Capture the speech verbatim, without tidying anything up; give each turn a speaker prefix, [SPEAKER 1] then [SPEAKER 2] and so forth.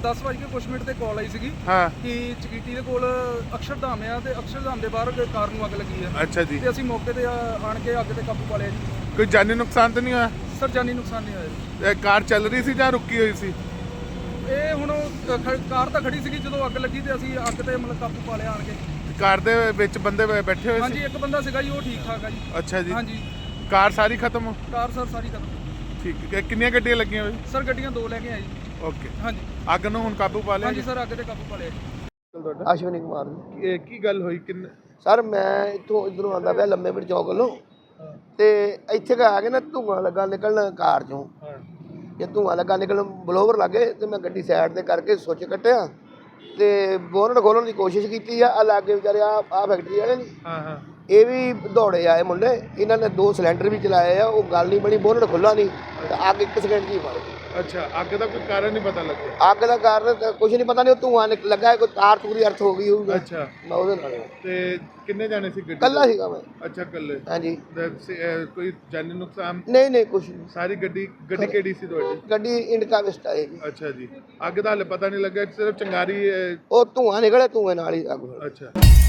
[SPEAKER 1] ਦਸ ਵਜੇ ਕੁਛ ਮਿੰਟ ਤੇ ਕਾਲ ਆਈ ਸੀਗੀ
[SPEAKER 2] ਹਾਂ
[SPEAKER 1] ਕਿ ਚਕੀਟੀ ਦੇ ਕੋਲ ਅਕਸ਼ਰਧਾਮ ਆ ਤੇ ਅਕਸ਼ਰਧਾਮ ਦੇ ਬਾਹਰ ਕਾਰ ਨੂੰ ਅੱਗ ਲੱਗੀ ਆ।
[SPEAKER 2] ਅੱਛਾ ਜੀ।
[SPEAKER 1] ਤੇ ਅਸੀਂ ਮੌਕੇ ਤੇ ਆਣ ਕੇ ਅੱਗ ਤੇ ਕਾਬੂ ਪਾ ਲਿਆ ਜੀ।
[SPEAKER 2] ਕੋਈ ਜਾਨੀ ਨੁਕਸਾਨ ਤਾਂ ਨਹੀਂ ਹੋਇਆ?
[SPEAKER 1] ਸਰ ਜਾਨੀ ਨੁਕਸਾਨ ਨਹੀਂ ਹੋਇਆ ਜੀ।
[SPEAKER 2] ਇਹ ਕਾਰ ਚੱਲ ਰਹੀ ਸੀ ਜਾਂ ਰੁਕੀ ਹੋਈ ਸੀ?
[SPEAKER 1] ਇਹ ਹੁਣ ਉਹ ਖ- ਕਾਰ ਤਾਂ ਖੜੀ ਸੀਗੀ, ਜਦੋਂ ਅੱਗ ਲੱਗੀ ਤੇ ਅਸੀਂ ਅੱਗ ਤੇ ਮਤਲਬ ਕਾਬੂ ਪਾ ਲਿਆ ਆਣ ਕੇ।
[SPEAKER 2] ਕਾਰ ਦੇ ਵਿੱਚ ਬੰਦੇ ਬੈ- ਬੈਠੇ ਹੋਏ
[SPEAKER 1] ਹਾਂਜੀ
[SPEAKER 2] ਸੀ?
[SPEAKER 1] ਇੱਕ ਬੰਦਾ ਸੀਗਾ ਜੀ, ਉਹ ਠੀਕ ਠਾਕ ਆ ਜੀ।
[SPEAKER 2] ਅੱਛਾ ਜੀ।
[SPEAKER 1] ਹਾਂਜੀ
[SPEAKER 2] ਕਾਰ ਸਾਰੀ ਖਤਮ?
[SPEAKER 1] ਕਾਰ ਸਰ ਸਾਰੀ ਖਤਮ।
[SPEAKER 2] ਠੀਕ ਹੈ। ਕਿੰਨੀਆਂ ਗੱਡੀਆਂ ਲੱਗੀਆਂ ਹੋਈ?
[SPEAKER 1] ਸਰ ਗੱਡੀਆਂ ਦੋ ਲੈ ਕੇ ਆਏ ਜੀ।
[SPEAKER 2] ਓਕੇ।
[SPEAKER 1] ਹਾਂਜੀ
[SPEAKER 2] ਅੱਗ ਨੂੰ ਹੁਣ ਕਾਬੂ ਪਾ ਲਿਆ?
[SPEAKER 1] ਹਾਂਜੀ ਸਰ ਅੱਗ ਤੇ ਕਾਬੂ ਪਾ ਲਿਆ ਜੀ।
[SPEAKER 2] ਤੁਹਾਡਾ
[SPEAKER 3] ਅਸ਼ਵਨੀ ਕੁਮਾਰ ਜੀ।
[SPEAKER 2] ਇਹ ਕੀ ਗੱਲ ਹੋਈ? ਕਿੰਨ
[SPEAKER 3] ਸਰ ਮੈਂ ਇੱਥੋਂ ਇੱਧਰੋਂ ਆਉਂਦਾ ਪਿਆ ਲੰਮੇ ਪਿੰਡ ਚੌਕ ਵੱਲੋਂ ਤੇ ਇੱਥੇ ਕੁ ਆ ਕੇ ਨਾ ਧੂੰਆਂ ਲੱਗਾ ਨਿਕਲਣ ਕਾਰ ਚੋਂ।
[SPEAKER 2] ਹਾਂ
[SPEAKER 3] ਜੇ ਧੂੰਆਂ ਲੱਗਾ ਨਿਕਲਣ ਬਲੋਵਰ ਲੱਗੇ ਤੇ ਮੈਂ ਗੱਡੀ ਸਾਈਡ ਤੇ ਕਰਕੇ ਸੁੱਚ ਕੱਟਿਆ ਤੇ ਬੋਨਟ ਖੋਲਣ ਦੀ ਕੋਸ਼ਿਸ਼ ਕੀਤੀ ਆ। ਆ ਲਾਗੇ ਵਿਚਾਰੇ ਆ ਆ ਫੈਕਟਰੀ ਵਾਲੇ ਨੇ,
[SPEAKER 2] ਹਾਂ ਹਾਂ
[SPEAKER 3] ਇਹ ਵੀ ਦੌੜੇ ਆਏ ਮੁੰਡੇ, ਇਹਨਾਂ ਨੇ ਦੋ ਸਿਲੰਡਰ ਵੀ ਚਲਾਏ ਆ। ਉਹ ਗੱਲ ਨਹੀਂ ਬਣੀ, ਬੋਨਟ ਖੁੱਲਾ ਨਹੀਂ ਤੇ ਅੱਗ ਇੱਕ ਸਕਿੰਟ 'ਚ ਹੀ ਫੜ ਗਈ।
[SPEAKER 2] ਅੱਛਾ। ਅੱਗ ਦਾ ਕੋਈ ਕਾਰਨ ਨਹੀਂ ਪਤਾ ਲੱਗਿਆ?
[SPEAKER 3] ਅੱਗ ਦਾ ਕਾਰਨ ਤਾਂ ਕੁਛ ਨਹੀਂ ਪਤਾ, ਨਹੀਂ ਉਹ ਧੂੰਆਂ ਨਿਕ- ਲੱਗਾ, ਕੋਈ ਤਾਰ ਤੂਰੀ ਅਰਥ ਹੋ ਗਈ ਹੋਊਗਾ।
[SPEAKER 2] ਅੱਛਾ।
[SPEAKER 3] ਮੈਂ ਉਹਦੇ ਨਾਲ
[SPEAKER 2] ਤੇ ਕਿੰਨੇ ਜਾਣੇ ਸੀ ਗੱਡੀ?
[SPEAKER 3] ਕੱਲਾ ਸੀਗਾ ਮੈਂ।
[SPEAKER 2] ਅੱਛਾ ਕੱਲੇ।
[SPEAKER 3] ਹਾਂਜੀ
[SPEAKER 2] ਤੇ ਸ- ਅਹ ਕੋਈ ਜਾਨੀ ਨੁਕਸਾਨ?
[SPEAKER 3] ਨਹੀਂ ਨਹੀਂ ਕੁਛ ਨਹੀਂ।
[SPEAKER 2] ਸਾਰੀ ਗੱਡੀ ਗੱਡੀ ਕਿਹੜੀ ਸੀ ਤੁਹਾਡੀ?
[SPEAKER 3] ਗੱਡੀ ਇੰਡਕਾ ਵਿਸਟਾ ਹੈ ਜੀ।
[SPEAKER 2] ਅੱਛਾ ਜੀ। ਅੱਗ ਦਾ ਹਲੇ ਪਤਾ ਨਹੀਂ ਲੱਗਾ, ਸਿਰਫ ਚੰਗਾਰੀ ਅਹ,
[SPEAKER 3] ਉਹ ਧੂੰਆਂ ਨਿਕਲਿਆ, ਧੂੰਏ ਨਾਲ ਹੀ ਅੱਗ ਲੱਗ ਗਈ।
[SPEAKER 2] ਅੱਛਾ।